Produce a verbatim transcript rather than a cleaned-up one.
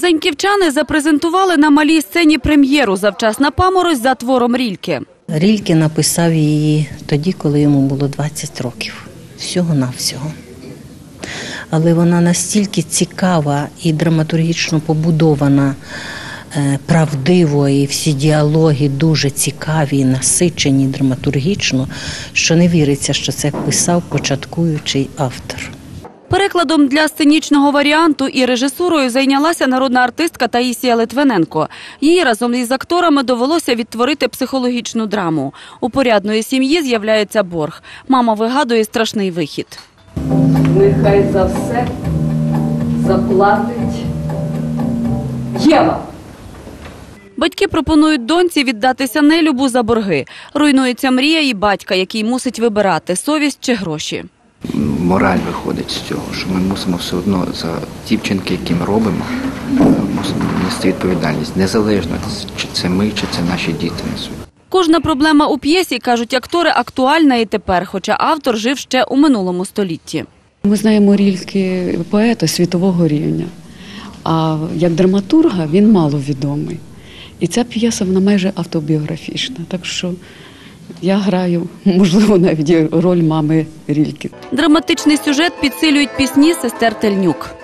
Заньківчани запрезентували на малій сцені прем'єру «Завчасна паморозь» за твором Рільке. Рільке написав її тоді, коли йому було двадцять років. Всього-навсього. Але вона настільки цікава і драматургічно побудована, правдиво, і всі діалоги дуже цікаві і насичені драматургічно, що не віриться, що це писав початкуючий автор. Перекладом для сценічного варіанту і режисурою зайнялася народна артистка Таїсія Литвиненко. Їй разом із акторами довелося відтворити психологічну драму. У порядної сім'ї з'являється борг. Мама вигадує страшний вихід. Нехай за все заплатить Єва. Батьки пропонують доньці віддатися нелюбу за борги. Руйнується мрія і батька, який мусить вибирати – совість чи гроші. Мораль виходить з цього, що ми мусимо все одно за ті вчинки, які ми робимо, мусимо нести відповідальність. Незалежно, чи це ми, чи це наші діти несуть. Кожна проблема у п'єсі, кажуть актори, актуальна і тепер, хоча автор жив ще у минулому столітті. Ми знаємо Рільке поета світового рівня, а як драматурга він маловідомий. І ця п'єса, вона майже автобіографічна, так що я граю, можливо, навіть роль мами Рільки. Драматичний сюжет підсилюють пісні сестер Тельнюк.